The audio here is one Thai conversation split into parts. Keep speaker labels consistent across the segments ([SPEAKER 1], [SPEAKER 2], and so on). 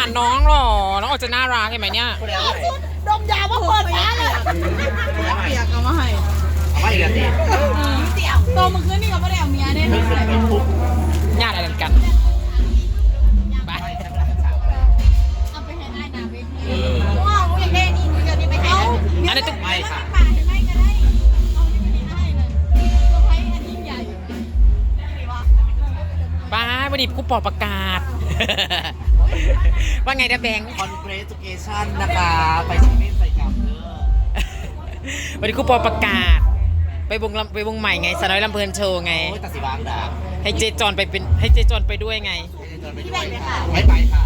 [SPEAKER 1] น้องหรอน้องออกจะน่ารักเห็นไหมเนี่ย
[SPEAKER 2] ดมยาว่าเปิดร้านเลยเปียกเอามาให้
[SPEAKER 3] เอาไม่เดือดดิ
[SPEAKER 2] โตมาคืนนี่ก็ไม่ได้เอาเมียได้ไหม
[SPEAKER 1] ญาติอะไรกันไป
[SPEAKER 2] เอาไปให้ได้นะเว้ยว้าวอยากได้นี่เดี๋ยวนี้ไปให้
[SPEAKER 1] อันนี้ต้อง
[SPEAKER 3] ไม่ค่ะ
[SPEAKER 2] ป่าให้ไม่ก็ได้เอาที่ไม่ได้เลยเซอร์ไพรส์อันยิ่งใหญ่
[SPEAKER 1] บ้าวันนี้กูปอประกาศว่าไงนะแบงค์
[SPEAKER 3] congratulation นะคะไปเซเว่นใส่กลับเด้อ
[SPEAKER 1] วันนี้กูปอประกาศไปวงใหม่ไงสาวน้อยลำเพลินโชว์ไง
[SPEAKER 3] โอ้ยตัดสีบางด่า
[SPEAKER 1] ให้เจจอนไปเป็นให้เจจอนไปด้วยไง
[SPEAKER 2] พี่แบงค์เลยค่ะ
[SPEAKER 3] ไม่ไปค่ะ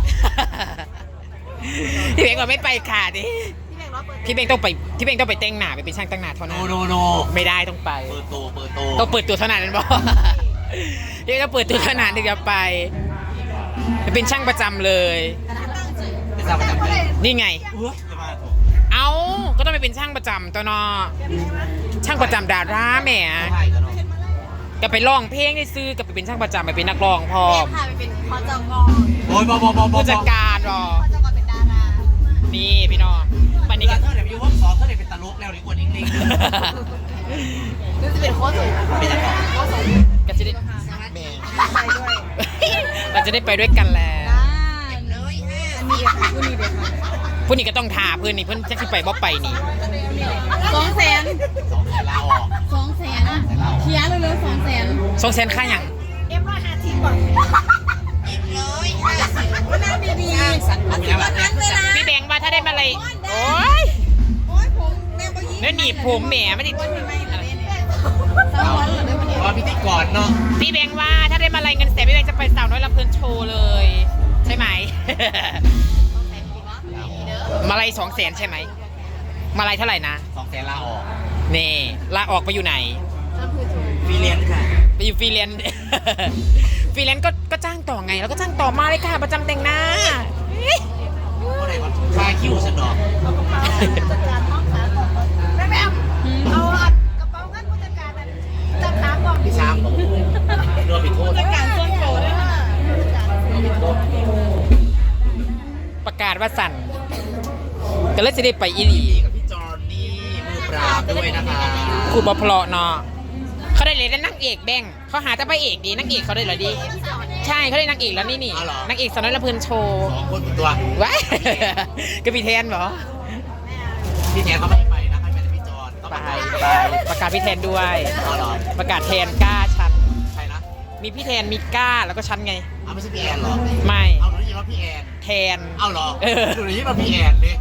[SPEAKER 1] พี่เบงก็ไม่ไปค่ะดิพี่เบงต้องไปพี่เบงต้องไปแต่งหน้าไปเป็นช่างแต่งหน้าเท่านั้น
[SPEAKER 3] โน
[SPEAKER 1] ไม่ได้ต้องไป
[SPEAKER 3] ต้อง
[SPEAKER 1] เปิดตัวเท่านั้นบอกพี่เบงต้องเปิดตัวเท่านั้นถึงจะไปเป็นช่างประจำเลย
[SPEAKER 3] เป็นช่างประจำเลย
[SPEAKER 1] นี่ไงเอาก็ต้องไปเป็นช่างประจำตัวนอช่างประจำดาราแหมก็ไปร้องเพลงได้ซื้อกับไปเป็นช่างประจำไปเป็นนักร้องพอ
[SPEAKER 2] พาไปเป็นพจก.
[SPEAKER 3] โอ้ย
[SPEAKER 1] ผู้จัดการรอ
[SPEAKER 2] พจก.เป็นดารา
[SPEAKER 1] นี่พี่น้องปันนี้
[SPEAKER 3] ก็เธอเดี๋ยวอยู่ห้องสอนเธอเดี๋ยวเป็นตลกแล้วดีกว่านิ่งๆ
[SPEAKER 2] ดูจะเป็นโค้ชสวย
[SPEAKER 3] เป็นยังไง
[SPEAKER 2] โค้ชสวย
[SPEAKER 1] ก็จะได้เราจะได้ไปด้วยกันแล้วผู้นี้ก็ต้องทาเพื่อนนี่เพื่อนจะที่ไปบ่ไปนี่
[SPEAKER 2] 200,000
[SPEAKER 3] ลาออก
[SPEAKER 2] 200,000เคลียร์เลย200,000
[SPEAKER 1] 200,000ค่าอย่าง
[SPEAKER 2] 150ก่อน150วันนั้นดีๆวันนั้นเวลา
[SPEAKER 1] พี่แบงค์ว่าถ้าได้มาอะไรโอ้ย
[SPEAKER 2] ผมแม่ก็ยิ้ม
[SPEAKER 1] แล้วหนีบผมแหมไม่ได้
[SPEAKER 3] ว่าพิธีกรเนาะ
[SPEAKER 1] พี่แบงค์ว่าถ้าได้มาอะไรเงินแสนพี่แบงค์จะไปสาวน้อยลำเพลินโชว์เลยใช่ไหมมาลัย200,000ใช่ไหมมาลัยเท่าไหร่นะ
[SPEAKER 3] 200,000ลาออก
[SPEAKER 1] นี่ลาออกไปอยู่ไหน
[SPEAKER 3] ฟรีแลนซ์ค่ะ
[SPEAKER 1] ไปอยู่ฟรีแลนซ์ฟรีแลนซ์ก็จ้างต่อไงแล้วก็จ้างต่อมาเลยค่ะประจำแต่งหน้า
[SPEAKER 3] อะไรก่อนคลายคิวฉันดอก
[SPEAKER 2] จัดการห้องขาก่อนแม่เอากระเป๋าเงินผู้จัดการจัดขาก่อน
[SPEAKER 3] พี่ช้างโดนผิดโทษ
[SPEAKER 2] ผู้จัดการส่วนโตด้วยค่ะ
[SPEAKER 1] ประกาศว่าสั่นก็เลยจะได้ไปอีหลี
[SPEAKER 3] กับพี่จอนนี่มือปราบด้วยนะคะ
[SPEAKER 1] ครูบอพลเนาะเขาได้เลยได้นักเอกแบงเขาหาแต่พระเอกดีนักเอกเขาได้เหรอดีใช่เขาได้นักเอกแล้วนี่นักเอกสาวน้อยลำเพลินโชว์
[SPEAKER 3] 2 คนตัว
[SPEAKER 1] ว้ายก็พี่แทนเหรอ
[SPEAKER 3] พี่แทนเขาไม่ไปนะให้เป็นพี่จอน
[SPEAKER 1] ไปประกาศพี่แทนด้วยประกาศแทนกล้าชัน
[SPEAKER 3] ใครนะ
[SPEAKER 1] มีพี่แทนมีกล้าแล้วก็ชันไง
[SPEAKER 3] เอาไม่ใช่พี่แอนหรอ
[SPEAKER 1] ไม่
[SPEAKER 3] เอาหนูได้ยินว่าพี่แอน
[SPEAKER 1] แทน
[SPEAKER 3] เอาหรอหนูได้ยินว่าพี่แอนดิ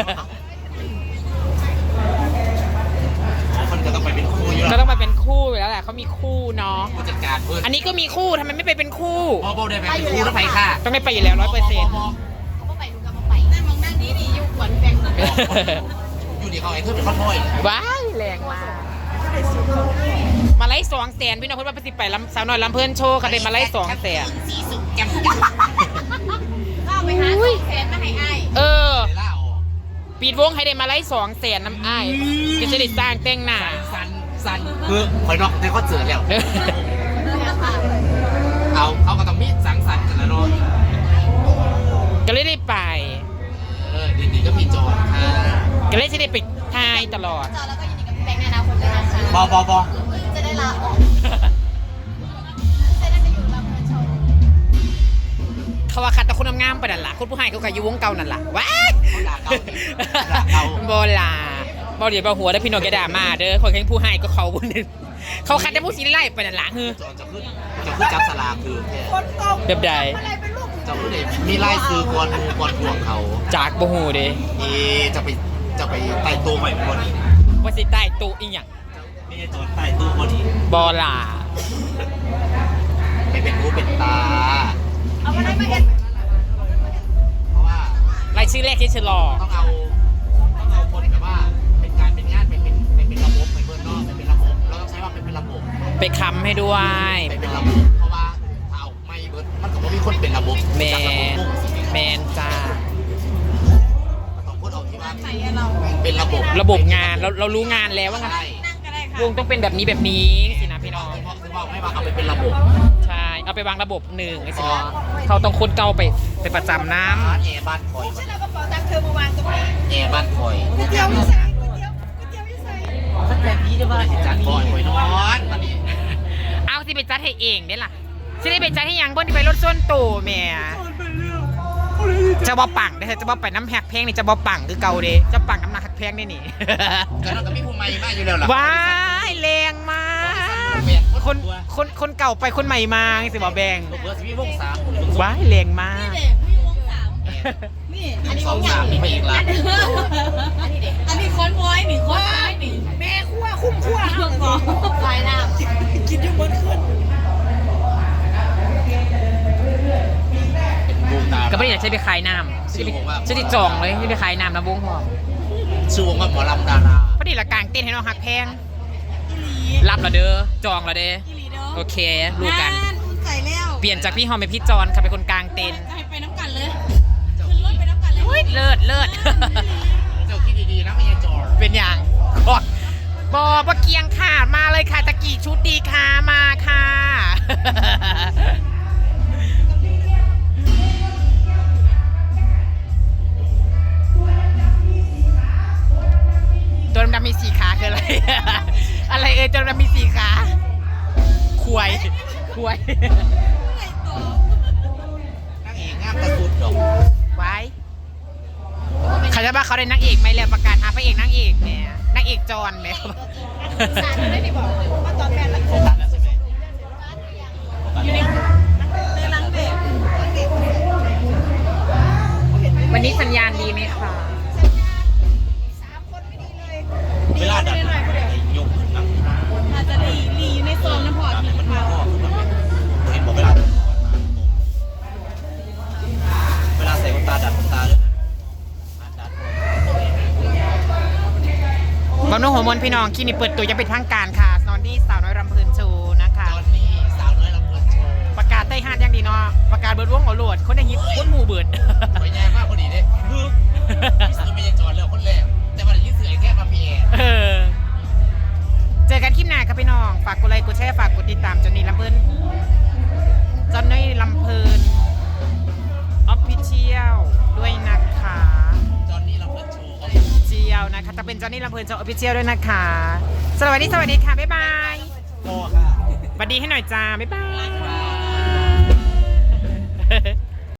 [SPEAKER 3] คนก็ต้องไปเป็นคู่อยู่แล้ว
[SPEAKER 1] ก็ต้องมาเป็นคู่อยู่แล้วแหละเขามีคู่เนาะ
[SPEAKER 3] ผู้จัดการเพื่อน
[SPEAKER 1] อันนี้ก็มีคู่ทำไมไม่ไปเป็นคู่
[SPEAKER 3] โบได้ไปเป็นคู่แล้วไปค่ะ
[SPEAKER 1] ต้องได้ไปอยู่แล้ว100%
[SPEAKER 2] เขาก็ไปดูกันมาไปนั่นมองนั่งนี่ดีอยู่ขวัญแบงค์
[SPEAKER 3] อยู่ดีเขาไอ้เธอเป็นข้อโทษ
[SPEAKER 1] ว้ายแรงมากมาไล่200,000พี่น้องพูดว่าไปสิไปสาวน้อยลำเพลินโชว์เขาได้มาไล่200,000
[SPEAKER 3] สีสุกแกม
[SPEAKER 2] ก็ไปหา200,000มาให้อ้าย
[SPEAKER 1] ปีดวงให้ได้มาไล่200,000น้ำอ้ายก็จะได้สร้างแต่งหน้า
[SPEAKER 3] สันคือคอยนอกในคอนเสิร์ตแล้วเขาก็ต้องมีสังสรรค์กันแล้วเนาะ
[SPEAKER 1] ก็เลยได้ไป
[SPEAKER 3] ดีก็มีจอค่ะ
[SPEAKER 1] ก็เลยจะได้ไปทายตลอด
[SPEAKER 2] จอแล้วก็ยินดีกับพี่แบงค์ในอนาคตด้วยนะคะ
[SPEAKER 3] บอ
[SPEAKER 2] จะได้ลาออกจะได้ไปอยู่ลำเพลินโชว์
[SPEAKER 1] เขาว่าคัดแต่คนงามไปนั่นแหละคนผู้ให้เขาขายอยู่วงเก่านั่นแหละว้ายบอลาบอลเดี๋ยวบอหัวได้พี่น้องแกด่ามาเด้อคนแข่งผู้ให้ก็เขาบุญนึงเขาคัดแต่ผู้สิไล่ไปนั่นแหละคือ
[SPEAKER 3] จะขึ้นจับสลากคือ
[SPEAKER 1] เด็บใด
[SPEAKER 3] จะขึ้นมีไล่ซื้อกวนห่วงเขา
[SPEAKER 1] จากบอหูเด้
[SPEAKER 3] จะไปไต่ตัวใหม่คนนี้
[SPEAKER 1] ว่าสิใต้ตู้อีกอย่าง
[SPEAKER 3] ไม่ใช่ตัวไต่ตู้คนนี้
[SPEAKER 1] บอลา
[SPEAKER 3] ไปเป็นหูเป็นตา
[SPEAKER 2] เอามาได้มาเห็น
[SPEAKER 3] เพราะว่าร
[SPEAKER 1] ายชื่อแรกที่ฉันรอ
[SPEAKER 3] ต้องเอาคนแบบว่าเป็นการเป็นงานเป็นระบบเป็นเบอร์นอกเป็นระบบเราต้องใช้ว่าเป็นระบบ
[SPEAKER 1] ไปค้ำให้ด้วย
[SPEAKER 3] เป็นระบบเพราะว่าถ้าเอาไม่เบอร์มันก็ไม่มีคนเป็นระบบ
[SPEAKER 1] แมนจ้า
[SPEAKER 3] ต้องพูดเอาที่ว่าเป็น
[SPEAKER 1] ระบบงานเรารู้งานแล้วว่างั้นวงต้องเป็นแบบนี้สินะพี่น้อง
[SPEAKER 3] ไม่ว่าเอาไปเป็นระบบ
[SPEAKER 1] ใช่เอาเอาไปวางระบบหนึ่งไอ้สิเขาต้องคนเก่าไปประจำน้
[SPEAKER 3] แอร์บ้านคอย
[SPEAKER 2] ฉันเอากระเป๋าตังค์เธอมาวางตรงนี้
[SPEAKER 3] แอร์บ้านคอย
[SPEAKER 2] ก๋วยเตี๋ยวที่ใส่ก๋วยเตี๋ยวที่ใส่
[SPEAKER 3] สักแบบนี้จะว่าจัดคอยคอยนอนวันนี้
[SPEAKER 1] ำเอาสิไปจัดให้เองเด้ล่ะสิได้ไปจัดให้ยังบนที่ไปรถส้นโตแม่จะบอปังเด้อจะบอไปน้ำแหกเพลงนี่จะบอปังคือเก่าเด้จะปังน้ำหนักหักเพลงนี่นี่
[SPEAKER 3] ก็เราก็มีภูมิใหม่มากอยู่แล้วล่ะ
[SPEAKER 1] ว้ายแรงมากคนเก่าไปคนใหม่มาไงสิบอแบง
[SPEAKER 3] เบอร์สิบวงสาม
[SPEAKER 1] ว้ายแรงมาก
[SPEAKER 2] นี่
[SPEAKER 3] อันนี้วงสามมีไปอีกละ
[SPEAKER 2] อันนี้คอนวอยนี่คอนวอยนี่แม่คั่วคุ้มคั่วเครื่องบอกไฟน้ำกินอยู่บนขึ้น
[SPEAKER 1] ก็ไม่ได้อยากใช้ไปขายน้ำใช้ไปจองเลยไม่ไปขายน้ำนะวงหอม
[SPEAKER 3] ชื่อวงว่าหมอลำดารา
[SPEAKER 1] พอดีละกลางเต้นให้น้องหักแพงรับละเด้อจองละเด้อโอเครู้กัน
[SPEAKER 2] ใส่แล้ว
[SPEAKER 1] เปลี่ยนจากพี่หอมเป็นพี่จอนค่ะเป็นคนกลางเต้น
[SPEAKER 2] จะให้ไปน้ำกันเลยขึ้นรถไปน้ำกันเลย
[SPEAKER 1] เฮ้ยเลิศ
[SPEAKER 3] เจ้าคิดดีๆนะไม่ใช่จอร์
[SPEAKER 1] เป็นอย่างก่อนบอปะเกียงค่ะมาเลยค่ะตะกี้ชุดดีค่ะมาค่ะตัวดำๆมี4 ขาคืออะไร อะไรตัวดำๆมี4 ขาควย
[SPEAKER 3] นั่งเอกงามตะสุดดอก
[SPEAKER 1] ไว้เขาจะว่าเขาได้นางเอกไหมแล้วประกาศหาพระเอกนางเอกเนี่ยนางเอกจอนไหม
[SPEAKER 2] สารไม่ได้บอกเลยว่าตอนแม่ละคร
[SPEAKER 3] ตัดแล้วใช่ไหม
[SPEAKER 2] อยู่ในหลังเด็ก
[SPEAKER 1] วันนี้สัญญาณดีไหมคะ
[SPEAKER 2] 3 คนไม่ดีเลย
[SPEAKER 3] เวลาดัดยกขึ้นนะ
[SPEAKER 2] อาจจะลีอยู่ในโซนน้ำพอด
[SPEAKER 3] มันมาข้อขึ้นมาเห็นบอกเวลาใส่ขนตาดัดขนตาเลยดัด
[SPEAKER 1] บอลนุ่งหัวมนพี่น้องคลินิกเปิดตัวยังเป็นทางการค่ะนอนดี้สาวน้อยรำเพลินโชว์นะคะ
[SPEAKER 3] จอนนี่สาวน้อยลำเพลินโชว์
[SPEAKER 1] ประกาศใต้ห้านยังดีเนาะประกาศเบิร์ดวงเอาโหลดคนได้ฮิตคนหมู่เบิร์ด
[SPEAKER 3] สวยงามมากพอดีเลยคือพี่สุดไม่ใช่จอนแล้วคนแรกแต่วันนี้เสือแค่มาเพีย
[SPEAKER 1] เจอกันคลิปหน้าครับพี่น้องฝากกดไลค์กดแชร์ฝากกดติดตามจอนนี่ลำเพลินจอนนี่ลำเพลินออฟฟิเชียลด้วยนะคะ
[SPEAKER 3] จอนนี่ลำเพลินโชว์
[SPEAKER 1] เจียวนะคะจะเป็นจอนนี่ลำเพลินโชว์ออฟฟิเชียลด้วยนะคะสวัสดีค่ะบ๊ายบาย
[SPEAKER 3] โตค่ะ
[SPEAKER 1] สวัสดีให้หน่อยจ้าบ๊ายบาย